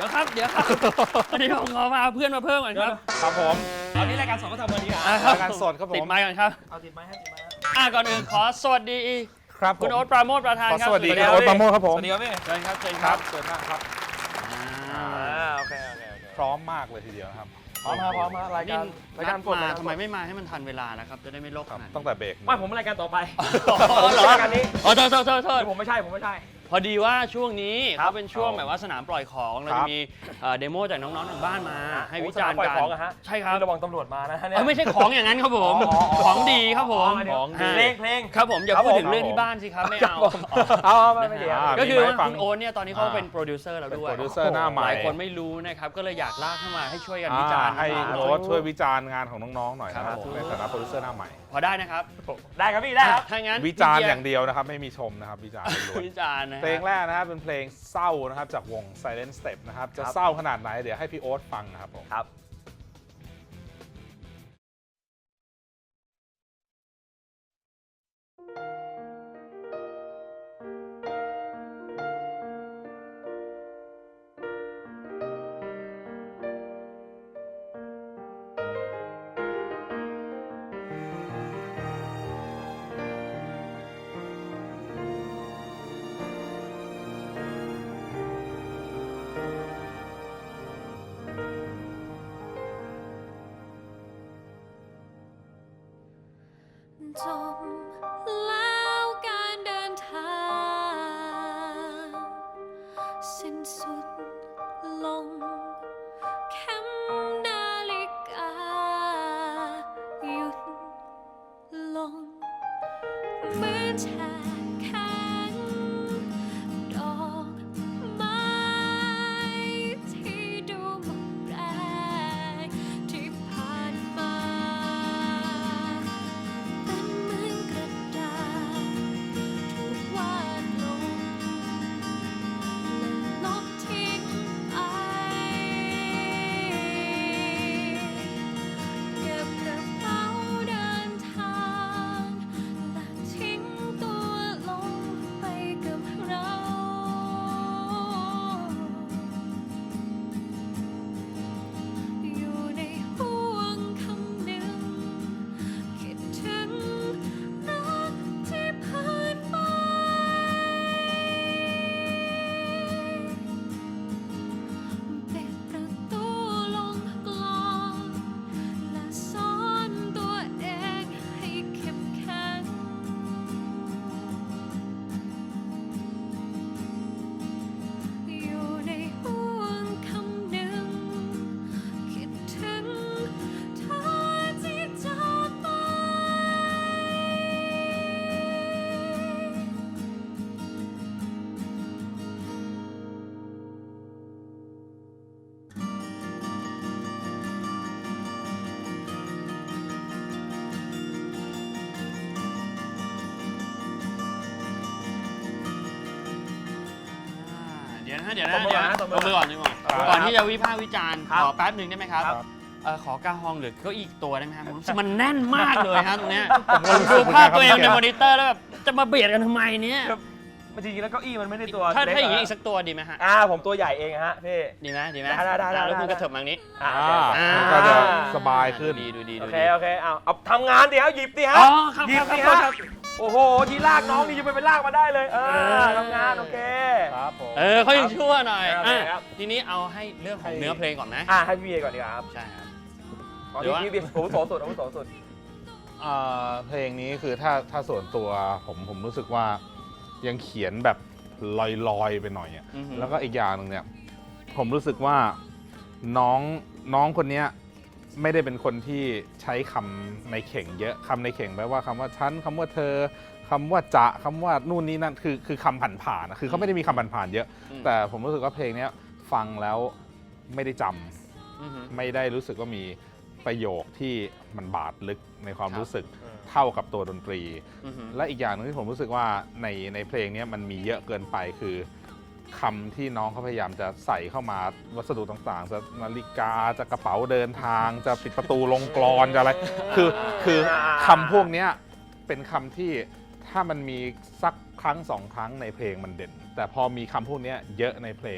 ครับวันนี้ผมขอมาเพื่อนมาเพิ่มก่อนครับครับผมอันนี้รายการสดก็ทำวันนี้อ่ะรายการสดครับผมติดไมค์ก่อนครับเอาติดไม้ให้ติดไม้ก่อนอื่นขอสวัสดีครับผมคุณโอ๊ตปราโมชประธานครับสวัสดีคุณโอ๊ตปราโมชครับผมสวัสดีครับพี่เชิญครับเชิญคครัรับบ เชิญนั่งครับโอเคพร้อมมากเลยทีเดียวนะครับพร้อมมารายนี่การกดมาทำไมไม่มาให้มันทันเวลานะครับจะได้ไม่โลกครับขนาดตั้งแต่เบรกไม่ผมรายการต่อไปเหรอรายการนี้โทษผมไม่ใช่พอดีว่าช่วงนี้ครับเขาเป็นช่วงแบบว่าสนามปล่อยของเราจะมีเดโมจากน้องๆทางบ้านมาให้วิจารณ์ปล่อยกันของอะฮะใช่ครับระวังตำรวจมานะเนี่ยไม่ใช่ของอย่างนั้นครับผมของดีครับผมเพลงครับผมอย่าพูดถึงเรื่องที่บ้านสิครับไม่เอาเอาไม่ดีก็คือว่าคุณโอ๊ตเนี่ยตอนนี้เขาเป็นโปรดิวเซอร์เราด้วยโปรดิวเซอร์หน้าใหหม่ลายคนไม่รู้นะครับก็เลยอยากลากเข้ามาให้ช่วยกันวิจารณ์ให้นะครับโอ๊ตช่วยวิจารณ์งานของน้องๆหน่อยนะคครัรับบผมในฐานะโปรดิวเซอร์หน้าใหม่พอได้นะครับได้ครับพี่ได้ครับถ้างั้นวิจารณ์อย่างเดียวนะครับไม่มีชมนะครับวิจารณ์ล้วนวิจารณ์นะเพลงแรกนะครับเป็นเพลงเศร้านะครับจากวง Silent Step นะครับจะเศร้าขนาดไหนเดี๋ยวให้พี่โอ๊ตฟังนะครับผมครับจบแล้วการเดินทางสิ้นสุดลงเข็มนาฬิกาหยุดลงเหมือนแช่แข็งดอกไม้ที่ดูหมดแรงที่ผ่านมา เป็นเหมือนกระดาษถูกวาดลงและลบทิ้งไปเก็บกระเป๋าเดินทางและทิ้งตัวลงไปกับเราอยู่ในห่วงคำหนึ่ง คิดถึงรักที่ผ่านไปปิดประตูลงกลอนและสอนตัวเองให้เข้มแข็งอยู่ในห่วงคำหนึ่งคิดถึงเธอที่จากไปเดี๋ยวนะตบมือก่อนนะตบมือก่อนก่อนที่จะวิพากษ์วิจารณ์ขอแป๊บหนึ่งได้ไหมครับครับขอกาฮองหรือเก้าอี้อีกตัวได้ไหมครับมันแน่นมากเลยฮะตรงเนี้ยผมดูภาพตัวเองในมอนิเตอร์แล้วแบบจะมาเบียดกันทำไมเนี่ยจริงๆแล้วเก้าอี้มันไม่ได้ตัวถ้าเล็กอย่างนี้อีกสักตัวดีไหมฮะผมตัวใหญ่เองฮะพี่ดีไหมได้แล้วคุณกระเถิบมาทางนี้ก็จะสบายขึ้นดูดีโอเคเอาทำงานดิฮะหยิบดิฮะอ๋อครับหยิบดิครัฮะบครับโอ้โหทีลากน้องนี่จะไปลากมาได้เลยทำงานโอเคครับผมเขายังชั่วหน่อยโอเคครับทีนี้เอาให้เรื่องของเนื้อเพลงก่อนนะให้พี่เอก่อนดีกว่าครับใช่ครับตอนนี้พี่เบียร์อาวุโสสุดเพลงนี้คือถ้าส่วนตัวผมรู้สึกว่ายังเขียนแบบลอยๆไปหน่อยอะอือฮึแล้วก็อีกอย่างหนึ่งเนี่ยผมรู้สึกว่าน้องคนเนี้ยไม่ได้เป็นคนที่ใช้คำในเข่งเยอะคำในเข่งแปลว่าคำว่าฉันคำว่าเธอคำว่าจะคำว่านู่นนี่นั่นคือคำผ่านๆนะคือเขาไม่ได้มีคำผ่านๆเยอะ แต่ผมรู้สึกว่าเพลงเนี้ยฟังแล้วไม่ได้จำไม่ได้รู้สึกว่ามีประโยคที่มันบาดลึกในความรู้สึก เท่ากับตัวดนตรี และอีกอย่างหนึงที่ผมรู้สึกว่าในเพลงนี้มันมีเยอะเกินไปคือคำที่น้องเขาพยายามจะใส่เข้ามาวัสดุต่างๆจะนาฬิกาจะกระเป๋าเดินทางจะปิดประตูลงกลอนจะอะไรคือคำพวกนี้เป็นคำที่ถ้ามันมีสักครั้งสองครั้งในเพลงมันเด่น แต่พอมีคำพวกนี้เยอะในเพลงอ่ะ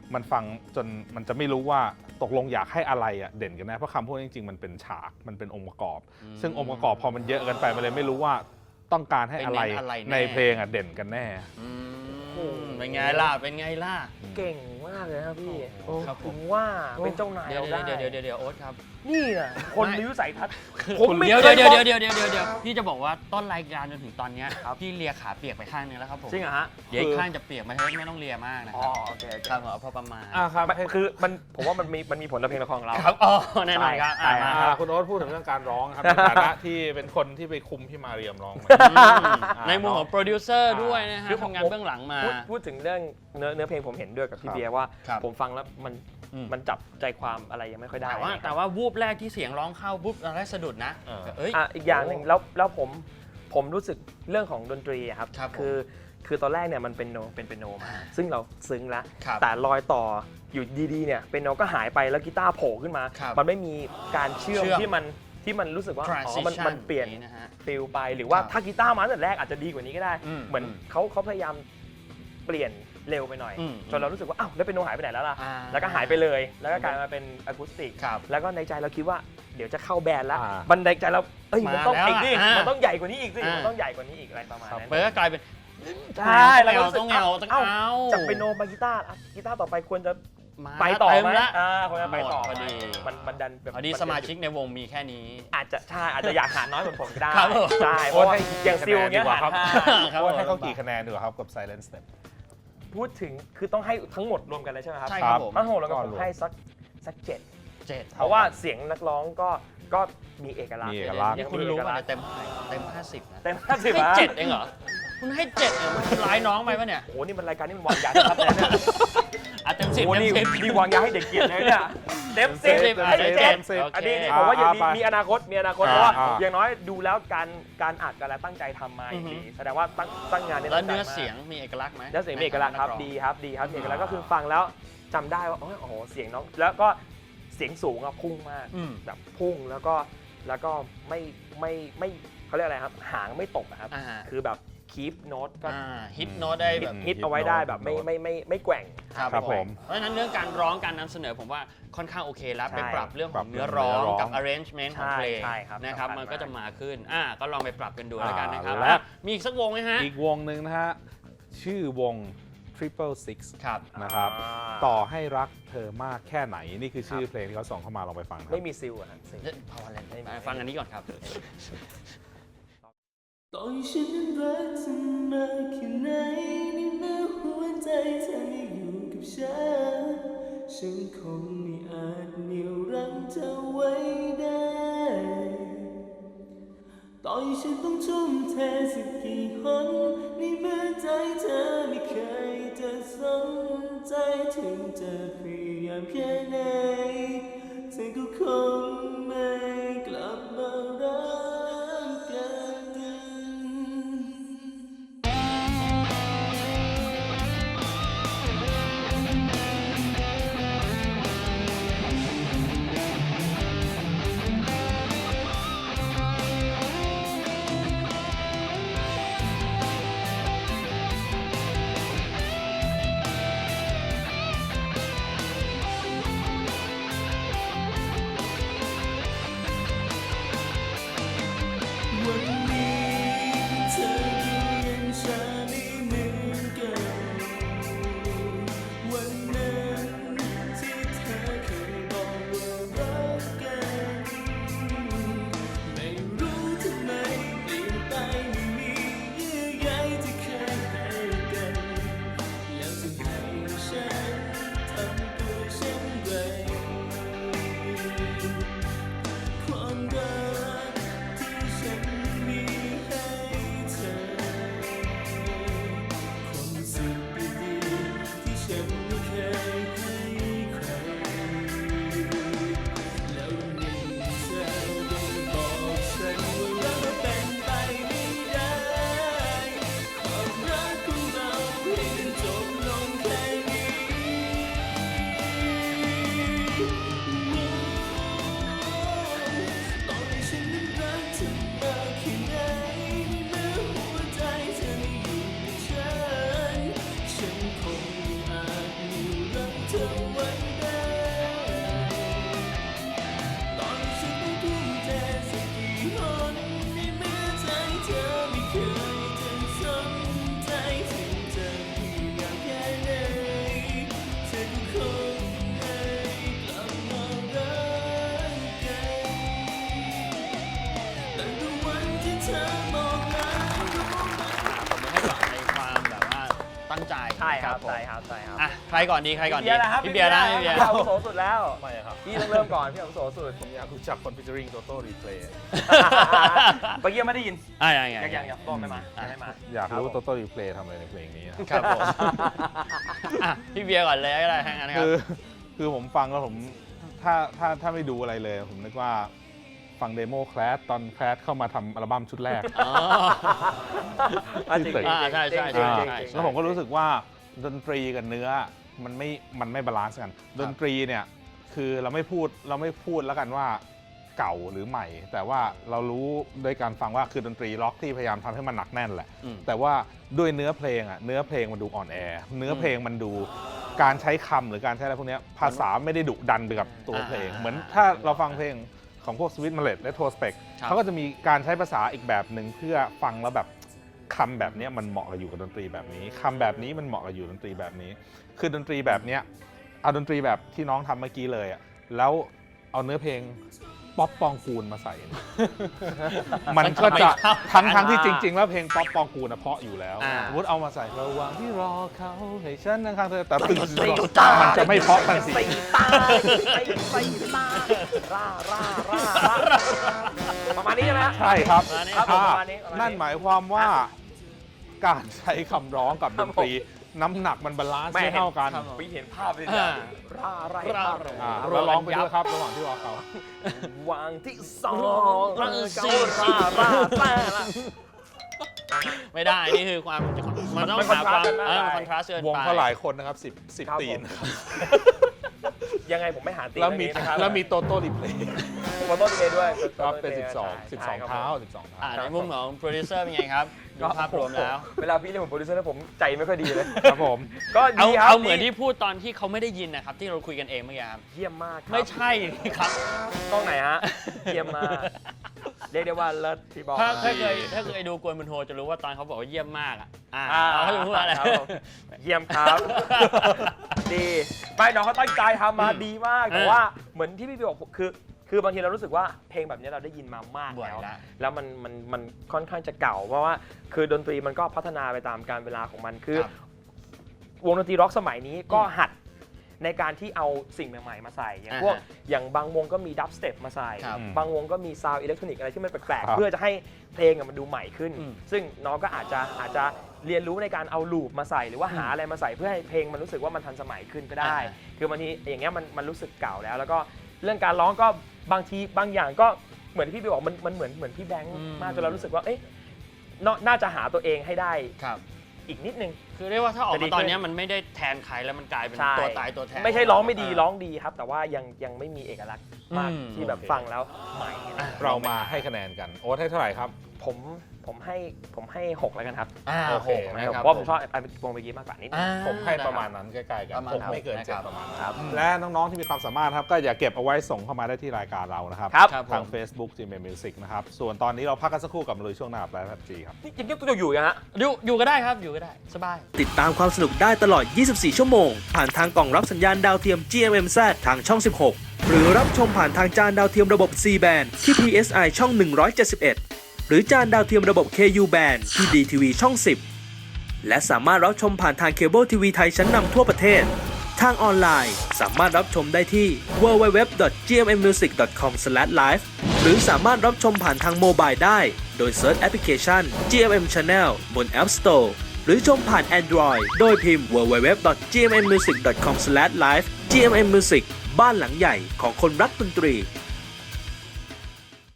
มันฟังจนมันจะไม่รู้ว่าตกลงอยากให้อะไรอะเด่นกันแน่เพราะคำพวกนี้จริงๆมันเป็นฉากมันเป็นองค์ประกอบ ซึ่งองค์ประกอบพอมันเยอะเกันไปมันเลยไม่รู้ว่าต้องการให้อะไรไปเน้นอะไรแน่ในเพลงอะเด่นกันแน่เป็นไงล่ะเป็นไงล่ะเก่งมากเลยครับพี่โอ้ครับผมถึงว่าเป็นเจ้านายเดี๋ยวเราได้เดี๋ยวโอ๊ตครับนี่นะคนมีวิสัยทัศน์ผผม มไม่เดี๋ยวเคยเดี๋ยวบอกเดี๋ยวพี่จะบอกว่าต้นรายการจนถึงตอนเนี้ยครับพี่เลียขาเปียกไปข้างนึงแล้วครับผมจริงเหรอฮะเดี๋ยวอีกข้างจะเปียกไม่ต้องเลียมากนะอ๋คอรับโอเคโอเคครับผมเอาพอประมาณครับคือผมว่ามันมีผลต่อเพลงละครของเราครับอ๋อแน่นอนครับใช่มาครับคุณโอ๊ตพูดถึงเรื่องการร้องครับ ในฐานะที่เป็นคนที่ไปคุมพี่มาเรียมร้องมาในมุมของโปรดิวเซอร์ด้วยนะฮะคือผมทำงานเบื้องหลังมาพูดถึงเรื่องเนื้อเพลงผมเห็นด้วยกับพี่ครับเบียร์ว่าครับผมฟังแล้วมันจับใจความอะไรยังไม่ค่อยได้แต่ว่าวูบแรกที่เสียงร้องเข้าปุ๊บเราได้สะดุดนะเอ้ยอีกอย่างหนึ่งแล้วผมรู้สึกเรื่องของดนตรีอะครับครับผมคือตอนแรกเนี่ยมันเป็นเปนโนมาซึ่งเราซึ้งแล้วครับแต่รอยต่ออยู่ดีๆเนี่ยเปนโนก็หายไปแล้วกีตาร์โผล่ขึ้นมาครับมันไม่มีการเชื่อมเชื่อมที่มันรู้สึกว่าอ๋อ transition มันเปลี่ยนนะฮะฟิลไปหรือว่าครับถ้ากีตาร์มาตั้งแต่แรกอาจจะดีกว่านี้ก็ได้อืมเหมือนเขาพยายามเปลี่ยนเร็วไปหน่อยอืมจนเรารู้สึกว่าอ้าวแล้วเปนโนหายไปไหนแล้วล่ะอ่าแล้วก็หายไปเลยแล้วก็กลายมาเป็นอะคูสติกครับแล้วก็ในใจเราคิดว่าเดี๋ยวจะเข้าแบนด์แล้วอ่าบันไดใจเรามันต้องมาแล้วอีกดิอ่ะมันต้องใหญ่กว่านี้อีกสิอ่ามัมันต้องใหญ่กว่านี้อีกอะไรประมาณครับนั้นเปิดก็กลายเป็นใช่แล้วก็รู้สึกต้องเอาจากเปนโนมากีตาร์กีตาร์ต่อไปควรจะมาไปต่อเต็มไหมละควรจะไปต่อพอดีมันดันแบบพอดีสมาชิกในวงมีแค่นี้อาจจะอยากหาน้อยเหมือนผมก็ได้ครับผมใช่เพโอ๊ราะตว่าให้อย่างซิลเงี้ยดีกว่าหาครับห้าครับโอ๊ตให้เขาผมกี่คะแนนดีกว่าครับกับ Silent Step พูดถึงคือต้องให้ทั้งหมดรวมกันเลยใช่ไหมครับใช่ครับผมทั้งหมดแล้วก็ก็ผรมวมให้สัก7 7 เพราะว่าเสียงนักร้องก็มีเอกลักษณ์มีเอกลักษณ์นี่คุณรู้ป่ะเนี่ยเต็ม50นะเต็ม50 ให้อ่ะ 7เองเหรอคุณให้7เองคุณร้ายน้องไปปะเนี่ยโอ้โหนี่มันรายการนี่มันวางยาชัดเลยเนี่ยอ่ะเต็มโอ้ 10 โหเต็นี่ม10 นี่วางยาให้เด็กเกียรติเลยเนี่ยเต็มเต็ม 10 10 ให้เต็มเจ็ด 10 อันนี้โอเคผมว่ายังไปมีอนาคตเพราะว่าอ่าอย่างน้อยดูแล้วการอัดกันแล้วตั้งใจทำมาอย่างดีแสดงว่าตั้งงานเนี่ยแล้วตั้งใจเนื้อมากเสียงมีเอกลักษณ์ไหมเนื้อเสียงมีเอกลักษณ์ครับดีครับมีเอกลักษณ์ก็คือฟังแล้วจำได้ว่าโอ้โหเสียงน้องแล้วก็เสียงสูงอะพุ่งมากอืมแบบพุ่งแล้วก็ไม่เขาเรียกอะไรครับหางไม่ตกอะครับอ่าคือแบบคีปโน้ตก็ฮิตโน้ตได้แบบฮิตเอาไว้ได้แบบไม่แกว่งครับผมเพราะฉะนั้นเรื่องการร้องการนำเสนอผมว่าค่อนข้างโอเคแล้วใช่ไปปรับเรื่องขปรัองบเนื้อร้องเนื้อร้องกับ arrangement ของเพลงใช่ครับนะครับสำคัญมันก็จะมากมาขึ้นก็ลองไปปรับกันดูแล้วกันนะครับและมีอีกสักวงไหมฮะอีกวงหนึ่งนะฮะ ชื่อวง Triple Six ครับนะครับอ่าต่อให้รักเธอมากแค่ไหน นี่คือชื่อเพลงที่เขาส่งเข้ามาลองไปฟังครับไม่มีซิลอะครับซิลพอแล้วฟังอันนี้ก่อนครับต่อให้ฉันนั้นรักเธอมากแค่ไหนในเมื่อหัวใจเธอไม่อยู่กับฉันคงไม่อาจเหนี่ยวรั้งเธอไว้ได้ ต่อให้ฉันต้องทุ่มเทสักกี่หนในเมื่อใจเธอไม่เคยจะสนใจถึงจะพยายามแค่ไหนเธอก็คงไม่กลับมารักกันเตั้งใจใช่ครับผมใช่ครับใช่ครับอ่ะใครก่อนดีใครก่อนดีพี่เบียร์นะครับพี่เบียร์นะพี่เบียร์อาวุโสสุดแล้วไม่ครับพี่ต้องเริ่มก่อนพี่อาวุโสสุดผมอยากรู้จักคนฟิชเชอริงโตโต้รีเพลย์เมื่อกี้ไม่ได้ยินยังยังต้นไม่มายังไม่มาอยากรู้ครับผมโตโต้รีเพลย์ทำอะไรในเพลงนี้นะครับผมอ่ะพี่เบียร์ก่อนเลยก็ได้ทั้งนั้นครับคือผมฟังแล้วผมถ้าไม่ดูอะไรเลย ผมนึกว่าฟังเดโมแคลสตอนแคลสเข้ามาทำอัลบั้มชุดแรกอ๋อจริงอ่าใช่ใช่จริงใช่จริงใช่จริงแล้วผมก็รู้สึกว่าดนตรีกับเนื้อมันไม่บาลานซ์กัน ดนตรีเนี่ยคือเราไม่พูดแล้วกันว่าเก่าหรือใหม่ แต่ว่าเรารู้โดยการฟังว่าคือดนตรีล็อกที่พยายามทำให้มันหนักแน่นแหละอืมแต่ว่าด้วยเนื้อเพลงเนื้อเพลงมันดูอ่อนแอ เนื้อเพลงมันดูการใช้คำหรือการใช้อะไรพวกเนี้ยภาษาไม่ได้ดุดันไปกับตัวเพลง เหมือนถ้าเราฟังเพลงของพวก Sweet Mallet และ Retrospect ครับเขาก็จะมีการใช้ภาษาอีกแบบหนึ่งเพื่อฟังแล้วแบบคำแบบเนี้ยมันเหมาะกับอยู่กับดนตรีแบบนี้คำแบบนี้มันเหมาะกับอยู่ดนตรีแบบนี้ คือดนตรีแบบเนี้ยเอาดนตรีแบบที่น้องทำเมื่อกี้เลยแล้วเอาเนื้อเพลงป๊อปปองกูลมาใส่ มันก็จะทั้งที่จริง ๆ แล้วเพลงป๊อปปองกูลเพราะอยู่แล้วอ่าสมมติเอามาใส่ระหว่างที่รอเขาให้ฉันนั่งข้างเธอแต่ตึงตีตามันจะไม่เพราะทันทีตีตาตีตาร่าประมาณนี้ใช่ไหมฮะใช่ครับครับผมอ่าประมาณนี้นั่นหมายความว่าการใช้คำร้องกับดนตรี น้ำหนักมันบาลานซ์ไม่เท่ากันครับวิเห็นภาพเลยอ่าร่าอ่าเราร้องไปด้วยครับระหว่างที่รอเขาวางที่สองร่าร่าไม่ได้ นี่คือความมันต้องมันหาความคอนทราสต์กันมากคอนทราสต์เกินไปวงเขาหลายคนนะครับ10 ตีนยังไงผมไม่หาตีแล้วมีนะครับแล้วมีโตโต้รีเพลย์โฟโต้ดีด้วยก็เป็น12 เท้า 12 เท้าในมุมของโปรดิวเซอร์เป็นไงครับดูภาพรวมแล้วเวลาพี่เรียกผมโปรดิวเซอร์แล้วผมใจไม่ค่อยดีเลยครับผมก็เอาดีครับเอาเหมือนที่พูดตอนที่เขาไม่ได้ยินนะครับ ที่เราคุยกันเองเมื่อกี้ครับเยี่ยมมากครับไม่ใช่ครับกล้องไหนฮะ เยี่ยมมาก เรียกได้ว่าเลิศพี่บอกถ้าเคยดูกวนบุญโฮจะรู้ว่าตอนเขาบอกว่าเยี่ยมมากอ่ะเขาจะพูดอะไรครับผมเยี่ยมครับ ดีไม่น้องเขาตั้งใจทำมาดีมาก แต่ว่าเหมือนที่พี่บอกคือบางทีเรารู้สึกว่าเพลงแบบนี้เราได้ยินมามากบ่อยแล้วแล้วแล้วมันค่อนข้างจะเก่า เพราะว่าคือดนตรีมันก็พัฒนาไปตามกาลเวลาของมันคือครับวงดนตรีร็อกสมัยนี้ก็หัดในการที่เอาสิ่งใหม่ๆมาใส่อย่างพวกอย่างบางวงก็มีดับสเต็ปมาใส่ครับบางวงก็มีซาวด์อิเล็กทรอนิกส์อะไรที่มันแปลกครัๆบเพื่อจะให้เพลงมันดูใหม่ขึ้นอืมซึ่งน้องก็อาจจะเรียนรู้ในการเอาลูปมาใส่หรือว่าหาอะไรมาใส่เพื่อให้เพลงมันรู้สึกว่ามันทันสมัยขึ้นก็ได้ คือบางทีอย่างเงี้ยมันรู้สึกเก่าแล้ว แล้วก็เรื่องการร้องก็บางทีบางอย่างก็เหมือนที่พี่บอกมันเหมือนพี่แบงค์มากจนเรารู้สึกว่าเอ๊ะน่าจะหาตัวเองให้ได้ครับอีกนิดนึงคือเรียกว่าถ้าออกจะดีมาตอนขึ้นนี้มันไม่ได้แทนใครแล้วมันกลายเป็นใช่ตัวตายตัวแทนไม่ใช่ร้องไม่ดีร้องดีครับ แต่ว่ายังไม่มีเอกลักษณ์มากอืมที่แบบโอเคฟังแล้วใหม่เรามาให้คะแนนกัน โอ๊ตให้เท่าไหร่ครับผมให้6แล้วกันครับโอเค 6 นะนะครับครับเพราะผมชอบวงเมื่อกี้มากกว่านิดนึงผมให้ประมาณนั้นใกล้ๆกันประมาณผมนั้นไม่เกินนะครับ 7ประมาณนั้นและน้องๆที่มีความสามารถครับก็อย่าเก็บเอาไว้ส่งเข้ามาได้ที่รายการเรานะครับครับครับทางผม Facebook GMM Music นะครับ ส่วนตอนนี้เราพักกันสักครู่กับมาลุยช่วงหน้ากับไลฟ์พับจีครับนี่ยังต้องอยู่ฮะอยู่ก็ได้ครับอยู่ก็ได้สบายติดตามความสนุกได้ตลอด 24 ชั่วโมง ผ่านทางกล่องรับสัญญาณดาวเทียม GMMZ ทางช่อง 16 หรือรับชมผ่านทางจานดาวเทียมระบบ C band ที่ PSI ช่อง 171 หรือจานดาวเทียมระบบ KU band ที่ DTV ช่อง 10 และสามารถรับชมผ่านทางเคเบิลทีวีไทยชั้นนำทั่วประเทศ ทางออนไลน์สามารถรับชมได้ที่ www.gmmusic.com/live หรือสามารถรับชมผ่านทางโมบายได้ โดยเซิร์ชแอปพลิเคชัน GMM Channel บน App Store หรือชมผ่าน Android โดยพิมพ์ www.gmmusic.com/live GMM Music บ้านหลังใหญ่ของคนรักดนตรี